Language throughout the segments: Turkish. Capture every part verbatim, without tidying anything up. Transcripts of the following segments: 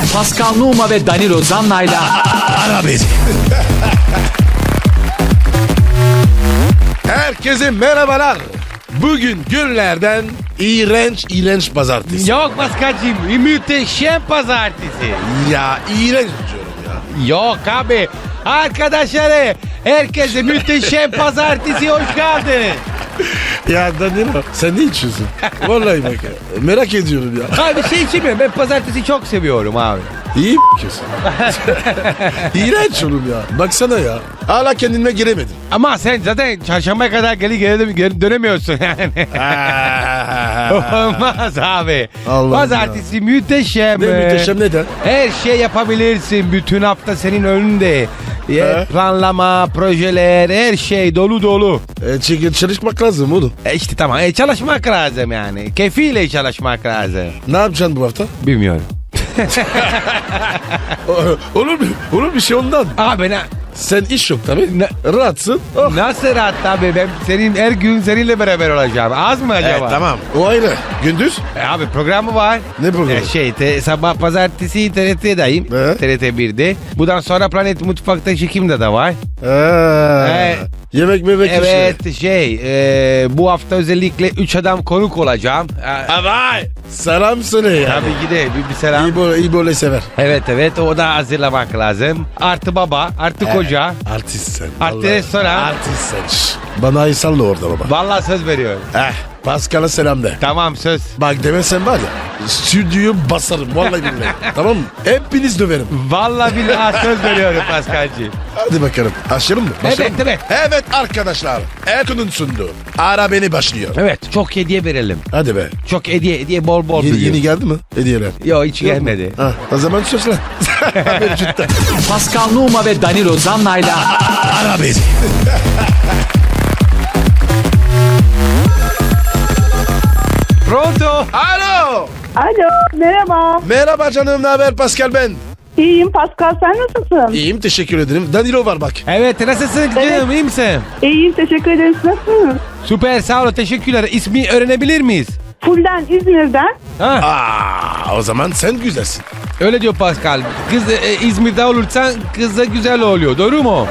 Pascal Numa ve Danilo Zanna'yla Ara beni. Herkese merhabalar. Bugün günlerden iğrenç iğrenç pazartesi. Yok Paskal'cığım, muhteşem pazartesi. Ya iğrenç diyorum ya. Yok abi, arkadaşları, herkese muhteşem pazartesi hoş geldin. Ya Danilo sen ne içiyorsun? Vallahi bak ya. Merak ediyorum ya. Abi şey içmiyorum, ben pazartesi çok seviyorum abi. İyi m***yorsun. İğrenç oğlum ya. Baksana ya. Hala kendime giremedim. Ama sen zaten çarşambaya kadar geri geri, geri dönemiyorsun yani. Olmaz abi. Allah'ım Pazartesi ya. Muhteşem. Ne muhteşem neden? Her şey yapabilirsin. Bütün hafta senin önünde. He? Planlama, projeler, her şey dolu dolu. E, çünkü çalışmak lazım oğlum. E işte tamam. E, çalışmak lazım yani. Keyfiyle çalışmak lazım. Ne yapacaksın bu hafta? Bilmiyorum. olur mu? Olur bir şey ondan. Abi ne? Sen iş yok tabii. Ne? Rahatsın. Oh. Nasıl rahat abi? Ben senin her gün seninle beraber olacağım. Az mı acaba? Evet, tamam. O ayrı. Gündüz? E, abi programı var. Ne programı? E, şey te, sabah pazartesi T R T'deyim. Evet. T R T birde. Bundan sonra Planet Mutfak'ta çekimde de var. Ha. Evet. Yemek memek Evet şey e, bu hafta özellikle üç adam konuk olacağım. E, Vay. Selam sana ya. tabii ki de bir, bir selam. İyi böyle, iyi böyle sever. Evet evet o da hazırlamak lazım. Artı baba, artı koca. Artist sen. Artı vallahi. restoran. Artist sen. Şş. Bana ay salla orada baba. Vallahi söz veriyorum. Eh. Pascal'a selam de. Tamam söz. Bak demesen var ya. Stüdyoyu basarım. Vallahi billahi. Tamam mı? Hepiniz döverim. Vallahi billahi söz veriyorum Paskal'cığım. Hadi bakalım. Başlayalım mı? Başlayalım Evet, mı? Evet arkadaşlar. Erkun'un sunduğu. Ara beni başlıyor. Evet çok hediye verelim. Hadi be. Çok hediye hediye bol bol Yeni, duruyor. yeni geldi mi? Hediyeler. Yok hiç gelmedi. Ha, o zaman söz lan. Mevcutta. Pascal Numa ve Danilo Zanna'yla Ara beni. Pronto. Alo. Alo, merhaba. Merhaba canım, ne haber? Pascal ben. İyiyim Pascal, sen nasılsın? İyiyim, teşekkür ederim. Danilo var bak. Evet nasılsın canım iyi misin? İyiyim, teşekkür ederim. Siz nasılsınız? Süper sağ ol teşekkürler. İsmi öğrenebilir miyiz? Fulden, İzmir'den. Ha, Aa, o zaman sen güzelsin. öyle diyor Pascal. Kız e, İzmir'de olursan kız da güzel oluyor. Doğru mu?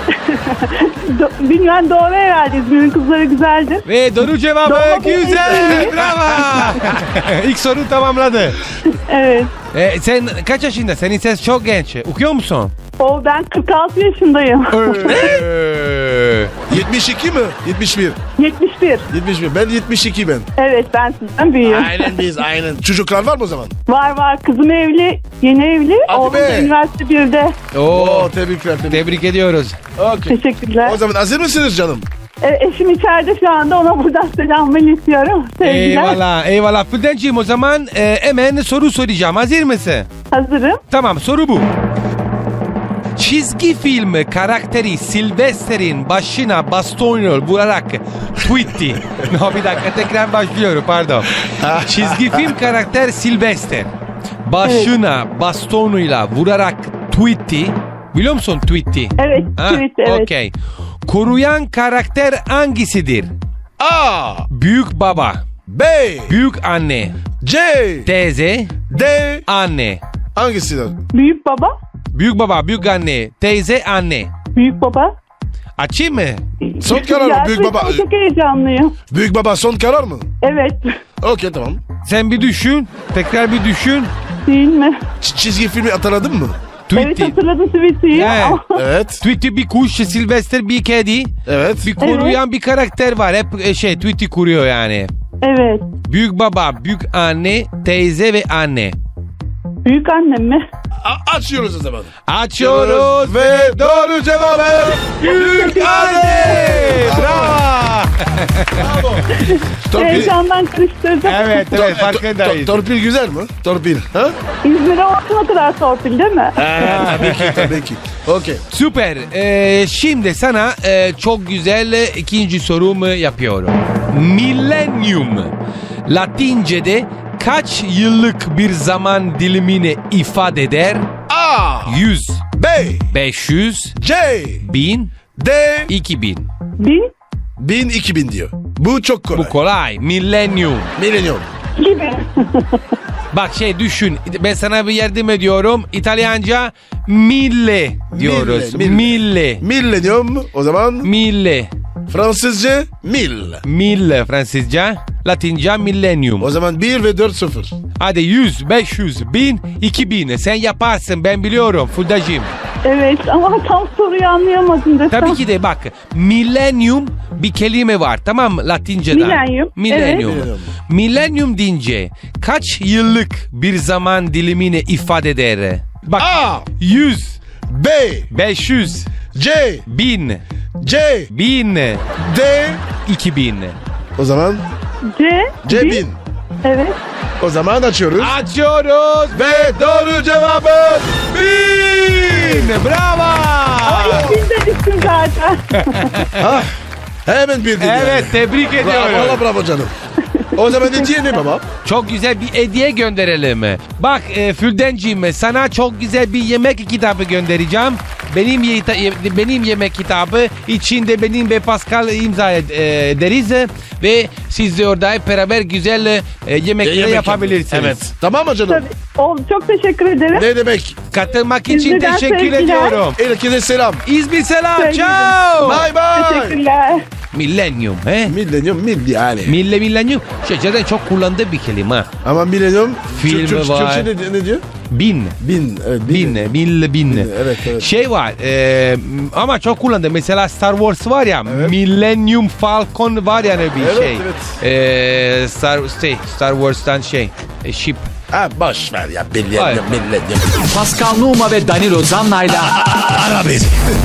Do- bilmem doğru herhalde, İzmir'in kızları güzeldir. Ve doğru cevabı Doğru. güzel. Bravo. İlk soru tamamladı. Evet. E, sen kaç yaşında? Senin ses çok genç. Okuyor musun? O ben kırk altı yaşındayım. Ee, yetmiş iki mi? yetmiş bir. yetmiş bir. yetmiş bir. Ben yetmiş iki ben. Evet, ben sizden büyüğüm. Aynen biz, aynen. Çocuklar var mı o zaman? Var var, kızım evli, yeni evli. Hadi Oğlum be. da üniversite birde. Oo, Oo, tebrikler. Tebrik. tebrik ediyoruz. Okay. Teşekkürler. O zaman hazır mısınız canım? E, eşim içeride şu anda, ona buradan selam iletiyorum. Sevgiler. Eyvallah eyvallah. Füldenciğim o zaman e, hemen soru soracağım. Hazır mısın? Hazırım. Tamam soru bu. Çizgi film karakteri Sylvester'in başına bastonla vurarak tweetti. No bir dakika tekrar başlıyorum pardon. Çizgi film karakter Sylvester başına bastonuyla vurarak tweetti. Biliyor musun tweetti? Evet, Ha, tweet, evet. Okey. Koruyan karakter hangisidir? A, Büyük baba, B, büyük anne, C, teyze, D. anne. Hangisidir? Büyük baba. Büyük baba, büyük anne, teyze, anne. Büyük baba. Açayım mı? Son karar mı? Büyük baba. Gerçekten çok heyecanlıyım. Büyük baba son karar mı? Evet. Okey, tamam. Sen bir düşün. Tekrar bir düşün. Değil mi? Ç- çizgi filmi hatırladın mı? Evet, Tweety. hatırladım tweet'i. Evet. Ama- Evet. Tweety bir kuş, Sylvester bir kedi. Evet. Bir koruyan bir karakter var. Hep e, şey Tweety kuruyor yani. Evet. Büyük baba, büyük anne, teyze ve anne. Büyük annem mi? A- açıyoruz o zaman. Açıyoruz ve doğru cevabı büyük anne. Bravo. Torpil, Heyecandan karıştırdım. Evet tor- evet to- farkındayız. to- torpil güzel mi? Torpil. Ha? İzmir'e olsun o kadar torpil değil mi? tabii ki, tabii ki. Okey. Süper. Ee, şimdi sana e, çok güzel e, ikinci sorumu yapıyorum. Millennium Latince'de kaç yıllık bir zaman dilimini ifade eder? A, yüz, B, beş yüz, C, bin, D, iki bin. Bin bin, iki bin diyor. Bu çok kolay. Bu kolay. Millennium. Millennium. gibi. Bak şey düşün. Ben sana bir yardım ediyorum. İtalyanca mille diyoruz. Mille, Mille. Mille diyor mu? O zaman Mille. Fransızca mil. Mille Fransızca. Latince millennium. O zaman bir ve dört sıfır. Hadi yüz, beş yüz, bin, iki bin. Sen yaparsın ben biliyorum Fuldacığım. Evet ama tam soruyu anlayamadım desem. Tabii ki de bak millennium bir kelime var tamam mı Latince'den? Milenyum, Millennium. evet. Millennium deyince kaç yıllık bir zaman dilimini ifade eder? Bak A, yüz, B, beş yüz, C, bin, C, bin, D. iki bin. O zaman C. C bin. bin. Evet. O zaman açıyoruz. Açıyoruz Ve doğru cevabı bin. Bravo. Ay biz de düştüm zaten. Ah, hemen bildin yani. Evet tebrik Bravo, ediyorum. valla bravo canım. O zaman hediye ne baba? Çok güzel bir hediye gönderelim. Bak e, Füldenciğim sana çok güzel bir yemek kitabı göndereceğim. Benim ye- benim yemek kitabı içinde benim ve Pascal imza ed- e, ederiz ve siz de orada hep beraber güzel e, yemekler Yemek yapabilirsiniz. yapıyoruz. Evet. Tamam mı canım? Tabii. Oldu. Çok teşekkür ederim. Ne demek? Katılmak için İzmir'den teşekkür sevgiler. ediyorum. Herkese selam. İzmir selam. Sevgilim. Ciao. Bye bye. Teşekkürler. Millennium he? Millennium mil yani. Mille millennium. Şey, zaten çok kullandığı bir kelime. ha. Ama millennium Filmi Türk- Türk- var. Türkçe ne, ne diyor? Bin. Bin. Evet, Bin, mille, bin. Evet, evet. Şey var e, ama çok kullandı. Mesela Star Wars var ya, Evet. Millennium Falcon var yani bir Evet, şey. evet. E, Star, şey, Star Wars'tan şey, e, ship. Ha boş ver ya millennium Hayır. millennium. Pascal Numa ve Danilo Zanna'yla Ara beni.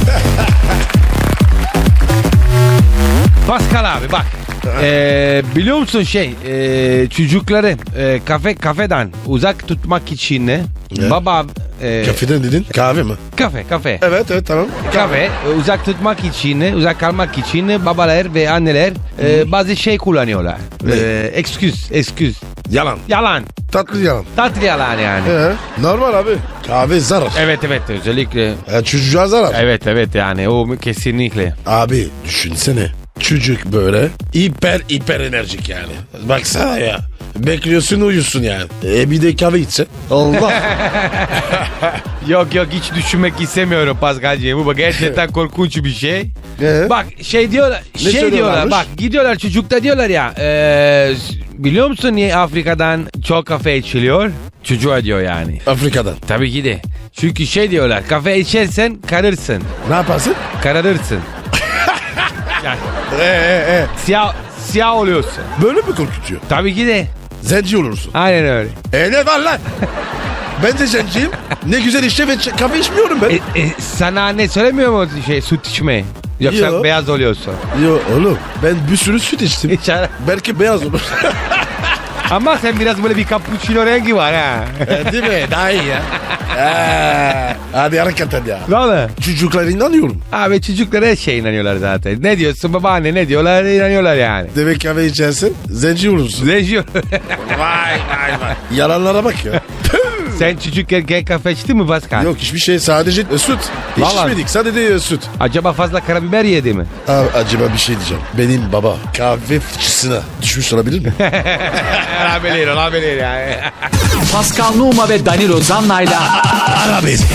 Pascal abi bak. e, biliyor musun şey e, çocukları e, kafe kafeden uzak tutmak için ne? Ne? Baba e, Kafeden dedin? Kahve mi? kafe kafe. Evet evet tamam. Kahve e, uzak tutmak için, uzak kalmak için babalar ve anneler e, bazı şey kullanıyorlar. Ne? E, excuse, excuse. Yalan. Yalan. Tatlı yalan. Tatlı yalan yani. Ee, normal abi. Kahve zarar. Evet evet özellikle. E, çocuğa zarar. Evet evet yani o kesinlikle. Abi düşünsene. Çocuk böyle hiper hiper enerjik yani. Baksana ya. Bekliyorsun uyusun yani. E bir de kahve içse. Allah. Yok yok hiç düşünmek istemiyorum Pascal'cığım. Bu bak gerçekten korkunç bir şey. Ee? Bak şey diyorlar, Ne şey diyorlar söylüyorlarmış? bak gidiyorlar çocukta diyorlar ya. E, biliyor musun niye Afrika'dan çok kafe içiliyor? Çocuğa diyor yani. Afrika'dan. Tabii ki de. Çünkü şey diyorlar kafe içersen karırsın. Ne yaparsın? Kararırsın. Yani Ee, e, e. siyah, siyah oluyorsun. Böyle mi korkutuyor? Tabii ki de. Zenci olursun. Aynen öyle. E ne var lan? Ben de zenciyim. Ne güzel işte ve ç- kahve içmiyorum ben. E, e, sana ne söylemiyor mu şey süt içme? Yoksa Yo. beyaz oluyorsun. Yo oğlum ben bir sürü süt içtim. İçer. Belki beyaz olur. Ama sen biraz böyle bir cappuccino rengi var ha. E, değil mi? Daha iyi ya. Ee, hadi hakikaten ya. Ne oldu? Çocuklara inanıyorum. Abi çocuklara her şeye inanıyorlar zaten. Ne diyorsun babaanne ne diyorlar inanıyorlar yani. Demek kahve içersin zenci olursun. Lejion. Vay vay vay. Yalanlara bak ya. Sen çocukken kafe içtin mi Pascal? Yok hiçbir şey sadece e, süt. Hiç Vallahi. içmedik sadece e, süt. Acaba fazla karabiber yedi mi? Abi, acaba bir şey diyeceğim. Benim baba kahve fıçısına düşmüş olabilir mi? olabilir olabilir yani. Pascal Numa ve Danilo Zanna'yla Ara beni.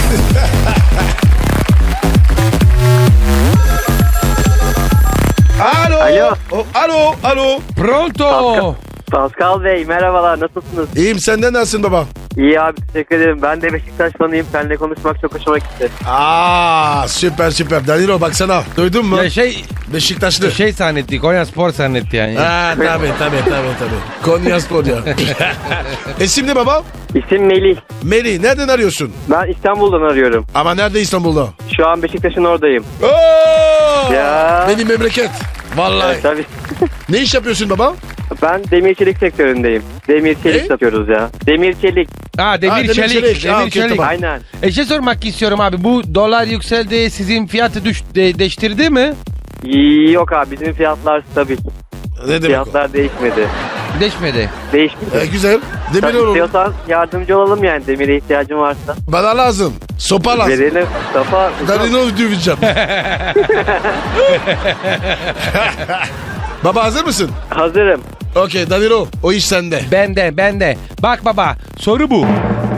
Alo. Alo. O, alo. Alo. Pronto. Pascal Bey merhabalar, nasılsınız? İyiyim senden nasılsın baba? İyi abi, teşekkür ederim. Ben de Beşiktaş fanıyım. Seninle konuşmak çok hoşuma gitti. Aa süper süper. Danilo baksana. Duydun mu? Ya şey Beşiktaşlı. şey zannetti Konya Spor zannetti yani. Ha tabii tabii tabii tabii. Konya Spor ya. İsim ne baba? İsim Melih. Melih nereden arıyorsun? Ben İstanbul'dan arıyorum. Ama nerede İstanbul'da? Şu an Beşiktaş'ın oradayım. Oo! Ya. Benim memleket. Vallahi. Evet, tabii. Ne iş yapıyorsun baba? Ben demir çelik sektöründeyim. Demir çelik Ne? satıyoruz ya. Demir çelik. Ha demir, Ha, demir çelik. çelik. Demir Ha, okey, çelik. tamam. Aynen. E şey sormak istiyorum abi. Bu dolar yükseldi. Sizin fiyatı düş, de, değiştirdi mi? Yok abi, bizim fiyatlar stabil. Ne demek o? Fiyatlar değişmedi. Değişmedi. Değişmedi. E, güzel. Demir Tabii oğlum. istiyorsan yardımcı olalım yani, demire ihtiyacın varsa. Bana lazım. Sopa lazım. Verelim. Safa. Danilo döveceğim. Baba hazır mısın? Hazırım. Okey Danilo o iş sende. Bende bende. Bak baba soru bu.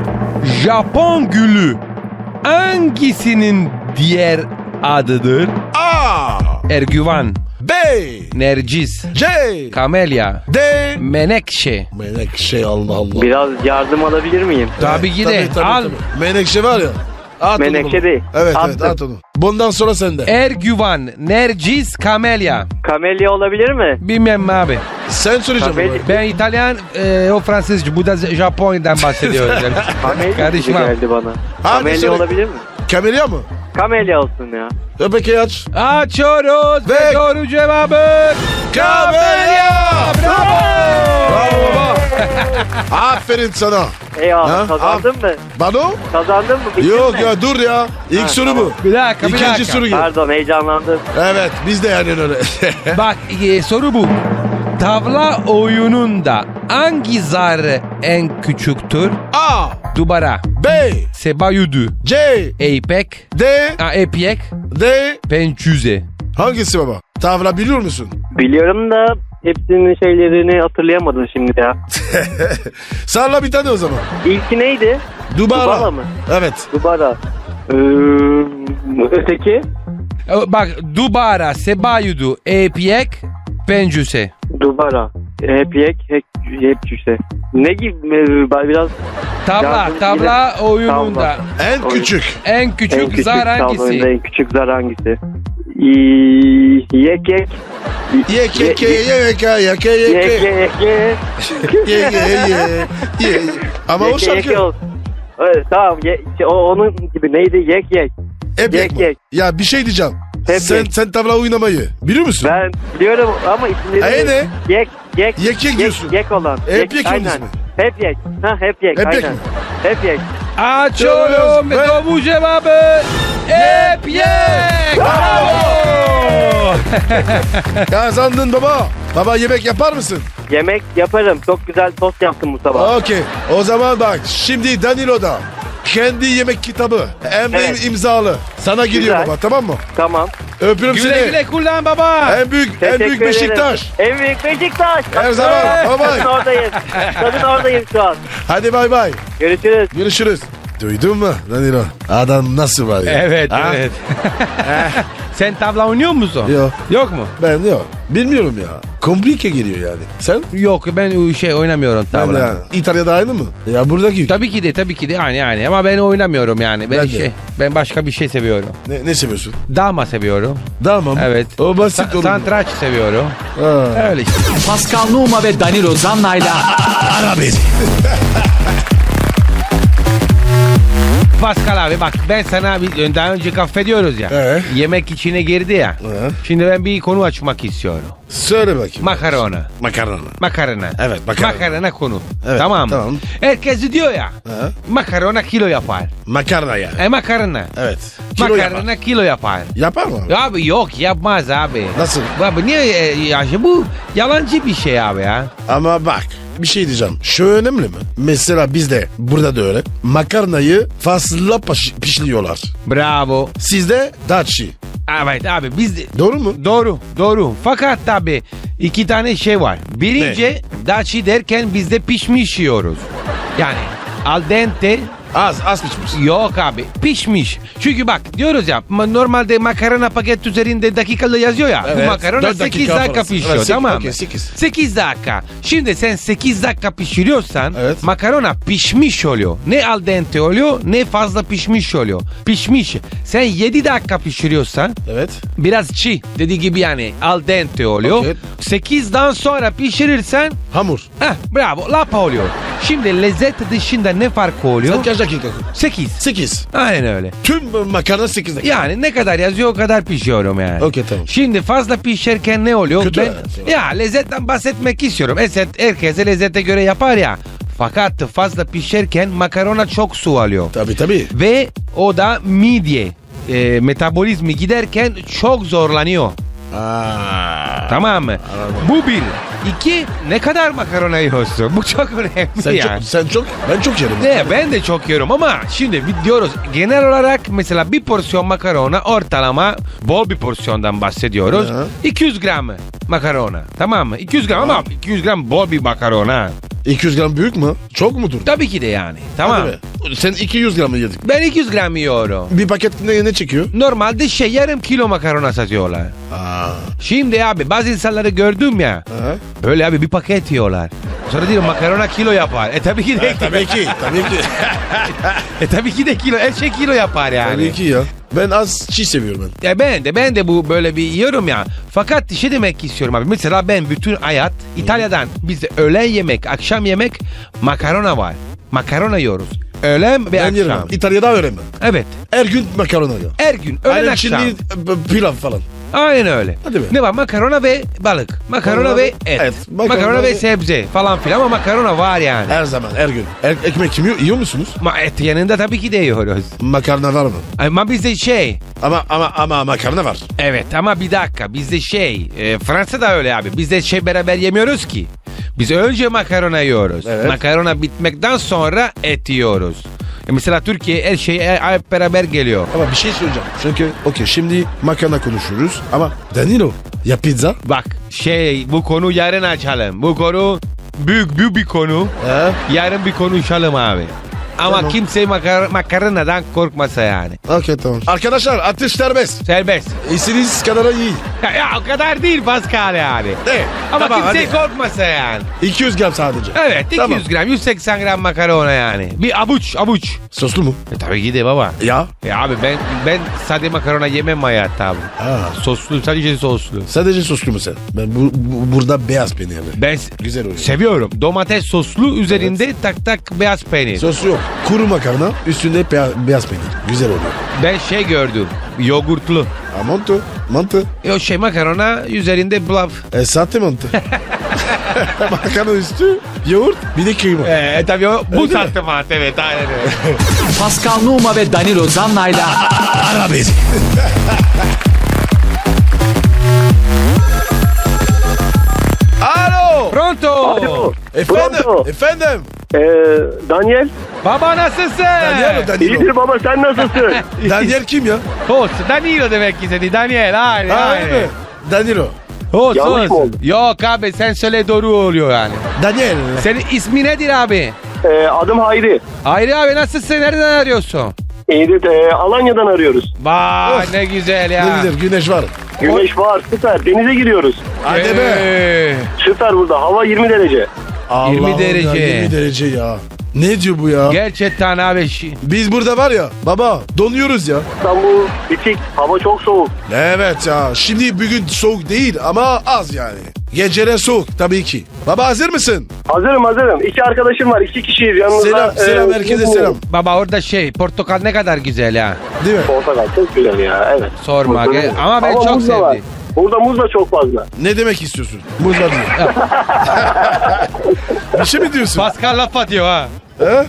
Japon gülü hangisinin diğer adıdır? A, Ergüvan, B, Nercis, C, Kamelya, D. Menekşe. Menekşe Allah Allah. Biraz yardım alabilir miyim? Tabii ki de. Tabii, tabii, Al. tabii. Menekşe var ya. At onu Menekşe baba. değil. Evet Attım. evet at onu. Bundan sonra sende. Ergüvan, Nercis, Kamelya. Kamelya olabilir mi? Bilmem abi. Sen söyleyeceğim. Kamelya- baba. Ben İtalyan, e, o Fransızca. Bu da Japonya'dan bahsediyoruz. Yani. Kamelya gibi Karışmam. geldi bana. Hadi Kamelya söyle. olabilir mi? Kamelya mı? Kamelya olsun ya. E peki aç. Açıyoruz ve, Ve- doğru cevabı Kamelya! Bravo! Bravo baba. Aferin sana. Eyvallah Ha? kazandın mı? Bano? Kazandın mı? Bildin Yok mi? ya dur ya. İlk Ha, soru tamam. bu. Bir dakika bir İkinci dakika. soru gel. Pardon heyecanlandım. Evet biz de yani öyle. Bak e, soru bu. Tavla oyununda hangi zar en küçüktür? A, Dubara, B, sebayudu, C, eipek, D, a, epyek, D. pençüze. Hangisi baba? Tavla biliyor musun? Biliyorum da hepsinin şeylerini hatırlayamadım şimdi ya. Salla bir tane o zaman. İlki neydi? Dubara. Dubara mı? Evet. Dubara. Ee, öteki? E, Bak dubara, sebayudu, epyek, pençüse. Dubara. Hep yek, hep, hep cüse. Ne gibi? Ee, Biraz Tavla, Yardım tavla oyununda Tavla. En Oyun. küçük. en küçük, en küçük zar tabloyunda hangisi? en küçük zar hangisi? İyi, yek yek. Ye ke ke ye ye ke ye ke ye Yek ke. yek yek. Ye ye ye. Ye. Ama o Yek, yek, şarkı. ol. Evet, tamam. Ye, şey, o, onun gibi neydi? Yek yek. Hep Yek, yakma. yek. Ya bir şey diyeceğim. Hep sen yek. sen tavla oynamayı biliyor musun? Ben biliyorum ama isimleri... Ay, ne? Yek yek. Yek, yek diyorsun. Yek olan. Hep yek onun aynen. ismi. Hep yek. Ha hep yek. Hep yek aynen. mi? Hep yek. Açıyorum ve Ve- doğru cevabı epyek. Bravo! Kazandın baba. Baba yemek yapar mısın? Yemek yaparım. Çok güzel tost yaptım bu sabah. Okey. O zaman bak şimdi Danilo'da kendi yemek kitabı hem de Evet. imzalı. Sana gidiyor Güzel. baba tamam mı? Tamam. Öpüyorum Güle seni. güle kullan baba. En büyük en Teşekkür büyük ederim. Beşiktaş. En büyük Beşiktaş. Her zaman. Bye bye. Kadın oradayım. Kadın oradayım şu an. Hadi bay bay. Görüşürüz. Görüşürüz. Duydun mu Danilo? Adam nasıl var ya? Evet Ha? evet. Sen tavla oynuyor musun? Yok. Yok mu? Ben yok. Bilmiyorum ya. Komplike geliyor yani. Sen? Yok ben şey oynamıyorum Ben tavla. de yani. İtalya'da aynı mı? Ya buradaki. Tabii ki de tabii ki de yani yani ama ben oynamıyorum yani. Ben, Ben de. şey ben başka bir şey seviyorum. Ne, ne seviyorsun? Dama seviyorum. Tamam. Evet. O basit Sa- olur. Santraç seviyorum. Ha. Öyle işte. Pascal Numa ve Danilo Zanna'yla Ara beni. Pascal abi bak ben sana bir, daha önce affediyoruz ya. Ee? Yemek içine girdi ya. Ee? Şimdi ben bir konu açmak istiyorum. Söyle bakayım. Makarona. Makarna. Makarna. Evet, makarna. Makarna konu. Evet, tamam mı? tamam. Herkes diyor ya. Ha? Makarona kilo yapar. Makarna yani. E makarna. Evet. Kilo Makarna yapar. kilo yapar. Yapar mı? Abi yok yapmaz abi. Nasıl? Abi niye e, ya şey bu yalancı bir şey abi ya. Ama bak bir şey diyeceğim. Şu önemli mi? Mesela bizde burada da öyle. Makarnayı fazla paş- pişiriyorlar. Bravo. Sizde daçi. Evet abi biz de- Doğru mu? doğru doğru. Fakat tabi iki tane şey var. Birinci daçi derken bizde pişmiş yiyoruz. Yani al dente Az az pişmiş. yok abi pişmiş. Çünkü bak diyoruz ya ma- normalde makarna paket üzerinde dakikalı yazıyor ya. Evet, Bu makarna dört sekiz dakika dakika falan. pişiyor Evet, sek- tamam mı? okey, sekiz. sekiz dakika. Şimdi sen sekiz dakika pişiriyorsan Evet. makarna pişmiş oluyor. Ne al dente oluyor ne fazla pişmiş oluyor. Pişmiş. Sen yedi dakika pişiriyorsan Evet. biraz çiğ dediği gibi yani al dente oluyor. Okey. sekizden sonra pişirirsen Hamur. heh, bravo lapa oluyor. Şimdi lezzet dışında ne farkı oluyor? Sen kaç dakika? sekiz. sekiz. Aynen öyle. Tüm makarna sekiz dakika. Yani ne kadar yazıyor o kadar pişiyorum yani. Okey, tamam. Şimdi fazla pişerken ne oluyor? Kötü Ben, evet. ya lezzetten bahsetmek istiyorum. Lezzet, herkese lezzete göre yapar ya. Fakat fazla pişerken makarona çok su alıyor. Tabii tabii. Ve o da midye e, metabolizmi giderken çok zorlanıyor. Aa. Tamam mı? Anladım. Bu bir. İki, ne kadar makarona yiyorsun? Bu çok önemli Sen yani. çok, sen çok, ben çok yerim. Ne, ben de çok yiyorum ama şimdi bir diyoruz genel olarak mesela bir porsiyon makarona ortalama bol bir porsiyondan bahsediyoruz. Hı. iki yüz gram makarona, tamam mı? iki yüz gram ama iki yüz gram bol bir makarona. iki yüz gram büyük mü? Çok mudur? Tabii ki de yani. Tamam. Hadi be. Sen iki yüz gram mı yedik? Ben iki yüz gram yiyorum. Bir paket ne, ne çekiyor? Normalde şey yarım kilo makarona satıyorlar. Aa. Şimdi abi bazı insanları gördüm ya. Aha. Böyle abi bir paket yiyorlar. Sonra diyorum makarona kilo yapar. E tabii ki de. Tabii ki, tabii ki. e tabii ki de kilo. Her şey kilo yapar yani. Tabii ki ya. Ben az çiğ seviyorum ben. Ya ben de ben de bu böyle bir yiyorum ya. Fakat şey demek istiyorum abi. Mesela ben bütün hayat İtalya'dan bizde öğlen yemek, akşam yemek makarona var. Makarona yiyoruz. Öğlen ve Ben akşam. yerim. İtalya'da öğrenmem. Evet. Her gün makarona ya. Her gün öğlen Aynen akşam. Çinli e, pilav falan. Aynen öyle. Hadi be. Ne var? Makarona ve balık. Makarona Makarona ve ve et. et. Makarona, Makarona ve ve- sebze falan filan ama makarona var yani. Her zaman, her gün. Er, ekmek yiyor, yiyor musunuz? Ma et yanında tabii ki de yiyoruz. Makarna var mı? Ama bizde şey. Ama ama ama makarna var. Evet ama bir dakika bizde şey. E, Fransa'da öyle abi. Bizde şey beraber yemiyoruz ki. Biz önce makarona yiyoruz. Evet. Makarona bitmekten sonra et yiyoruz. E mesela Türkiye her şey e, hep beraber geliyor. Ama bir şey söyleyeceğim. Çünkü okey şimdi makarna konuşuyoruz ama Danilo ya pizza. Bak şey bu konu yarın açalım. Bu konu büyük büyük bir konu. He? Yarın bir konuşalım abi. Ama Tamam. kimse makar makarnadan korkmasa yani. Okey tamam. Arkadaşlar atış serbest. Serbest. İstediğiniz kadar iyi. Ya, ya o kadar değil Pascal yani. Ne? Ama Tamam, kimse hadi. korkmasa yani. iki yüz gram sadece. Evet iki yüz Tamam. gram yüz seksen gram makarona yani. Bir avuç avuç. Soslu mu? E tabii ki de baba. Ya. Ya abi ben ben sade makarona yemem hayatta abi. Ha. Soslu sadece soslu. Sadece soslu mu sen? Ben bu, bu- burada beyaz peynir. Ben Güzel oluyor. seviyorum. Domates soslu üzerinde tak tak beyaz peynir. Sos yok. Kuru makarna üstünde beyaz, beyaz peynir. Güzel oluyor. Ben şey gördüm. Yoğurtlu. Ha mantı. Mantı. O şey makarona üzerinde blaf. E sahte mantı. Makarna üstü yoğurt bir de kıyma. Ee, tabii o bu Öyle mi? sahte mantı evet aynen öyle. Pascal Numa ve Danilo Zanna'yla Ara beni. Alo. Pronto. Alo. Efendim. Pronto. Efendim. Ee, Daniel. Baba nasılsın? Daniel, Danilo. İyidir baba sen nasılsın? Daniel kim ya? Host. Danilo demek istedi. Daniel. Aynen. Ha aynen. öyle mi? Danilo. Host, Yanlış host. mı oldu? Yok abi sen söyle doğru oluyor yani. Daniel. Senin ismi nedir abi? Ee, adım Hayri. Hayri abi nasılsın? Nereden arıyorsun? İyidir. Ee, Alanya'dan arıyoruz. Vay Of. ne güzel ya. Ne güzel güneş var. Güneş var süper. Denize giriyoruz. Hadi be. Ee, Süper burada. Hava yirmi derece. Allah'ım derece. Ya, yirmi derece ya. Ne diyor bu ya? Gerçekten abi. şi- Biz burada var ya baba donuyoruz ya. İstanbul bitik. Hava çok soğuk. Evet ya şimdi bugün soğuk değil ama az yani. Geceler soğuk tabii ki. Baba hazır mısın? Hazırım hazırım. İki arkadaşım var. İki kişiyiz yanımızda. Selam selam Ee, herkese bizim- selam. Baba orada şey portakal ne kadar güzel ya. Değil mi? Portakal çok güzel ya. Evet. Sorma. Muzlu. Ge- Ama ben çok muz da var. sevdim. Burada muz da çok fazla. Ne demek istiyorsun? Muz var diyor. Bir şey mi diyorsun? Pascal laf atıyor ha. He?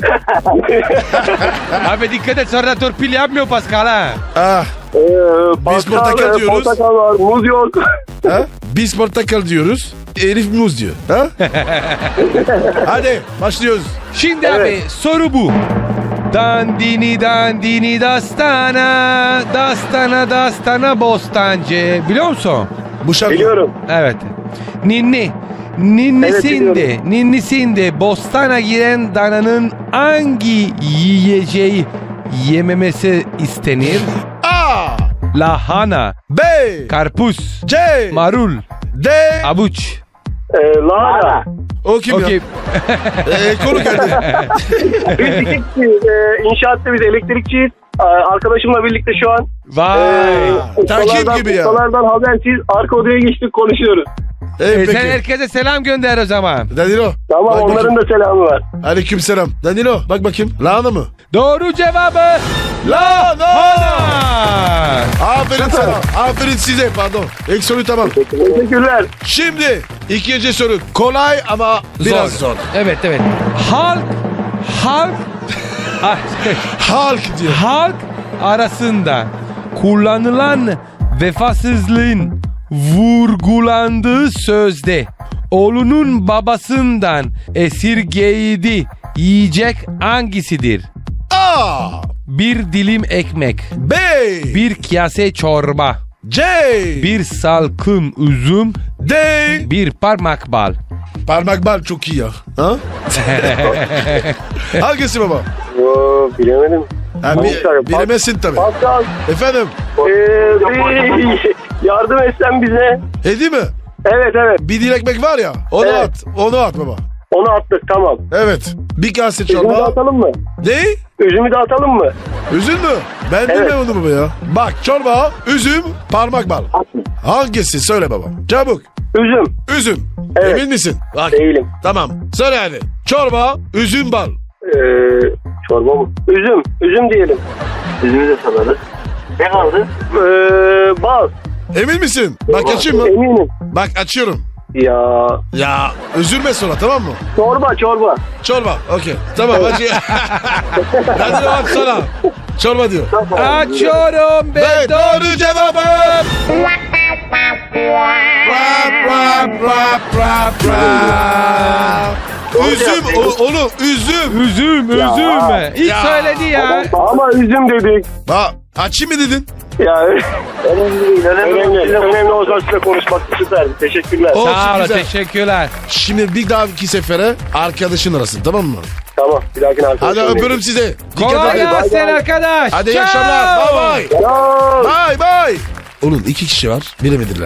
Abi dikkat et sonra torpil yapmıyor Pascal ha. Ah, Ee, Biz portakal e, diyoruz. Portakal var. Muz yok. ha? Biz portakal diyoruz. Elif muz diyor. Ha? Hadi başlıyoruz. Şimdi Evet. abi soru bu. Dandini dandini dastana, dastana dastana bostancı. Biliyor musun? Bu şarkı. Biliyorum. Evet. Ninni. Evet, Ninnisinde, biliyorum. ninnisinde bostana giren dananın hangi yiyeceği yememesi istenir? A, Lahana, B, karpuz, C, marul, D. avuç. Ee, lahana. O kim Okey. ya? Ee, konu geldi. Biz dikikçiyiz. Ee, inşaatta biz elektrikçiyiz. Ee, arkadaşımla birlikte şu an Vay. ee, takip ustalardan- gibi ya. ustalardan habersiz arka odaya geçtik konuşuyoruz. Ee, E, sen peki. herkese selam gönder o zaman. Danilo. Tamam bak onların bakayım. da selamı var. Aleyküm selam. Danilo bak bakayım. Lahana mı? Doğru cevabı lahana. Aferin sana. Aferin size pardon. İlk soru tamam. Teşekkürler. Şimdi ikinci soru. Kolay ama biraz zor. Evet evet. Halk halk Ah, Halk diyor. halk arasında kullanılan vefasızlığın vurgulandığı sözde oğlunun babasından esirgeydi yiyecek hangisidir? A, Bir dilim ekmek, B, bir kase çorba, C, bir salkım üzüm, D. bir parmak bal. Parmak bal çok iyi ya. Ha? Hangisi baba? Oo, bilemedim. Ha, bi- Pascal, bilemezsin tabii. Pascal, Efendim? ee, bir yardım etsen bize. Hedi mi? Evet evet. Bir dil ekmek var ya. Onu Evet. at. Onu at baba. Onu attık tamam. Evet. Bir kase Üzümü de çorba. atalım mı? Ne? Üzümü de atalım mı? Üzüm mü? Ben Evet. bilmiyorum onu baba ya. Bak çorba, üzüm, parmak bal. Hangisi? Söyle baba. Çabuk. Üzüm. Üzüm. Evet. Emin misin? Bak. Değilim. Tamam. Söyle hadi. Çorba, üzüm, bal. Ee, çorba mı? Üzüm. Üzüm diyelim. Üzümü de salarız. Ne kaldı? Ee, bal. Emin misin? Bak açayım mı? Eminim. Bak açıyorum. Ya. Ya üzülme sonra tamam mı? Çorba çorba. Çorba. Okey. Tamam hadi. Hadi aç sana. Çorba diyor. Açıyorum Ve ve doğru cevabım. Rap rap rap rap rap. Üzüm o- oğlum üzüm. üzüm üzüm. İlk Ya. söyledi ya. Ama üzüm dedik. Ha açayım mı dedin? Ya önemli değil. Önemli, önemli, önemli o zaman sizinle konuşmak süperdi. Teşekkürler. O- Sağ olun, güzel. teşekkürler. Şimdi bir daha iki sefere arkadaşın arasın tamam mı? Tamam. Bir dahakine Hadi arkadaşlar. öpüyorum size. Dikkat Kolay edin. gelsin bay. arkadaş. Hadi iyi Ciao. akşamlar. Bye bye. Ya. Bye bye. Onun iki kişi var. Bilemediler.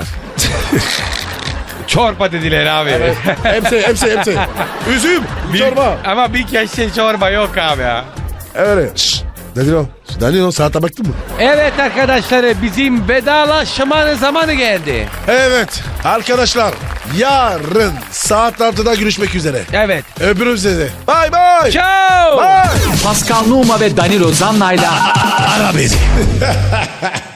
Çorba dediler abi. hepsi hepsi hepsi. Üzüm. Bir- Çorba. Ama bir kese çorba yok abi ya. Evet. Şşş. Danilo. Danilo saate baktın mı? Evet arkadaşlar bizim vedalaşmanın zamanı geldi. Evet. Arkadaşlar yarın saat altıda görüşmek üzere. Evet. Öpürüm sizi. Bye bye. Ciao. Bye. Pascal Numa ve Danilo Zanna'yla Ara beni.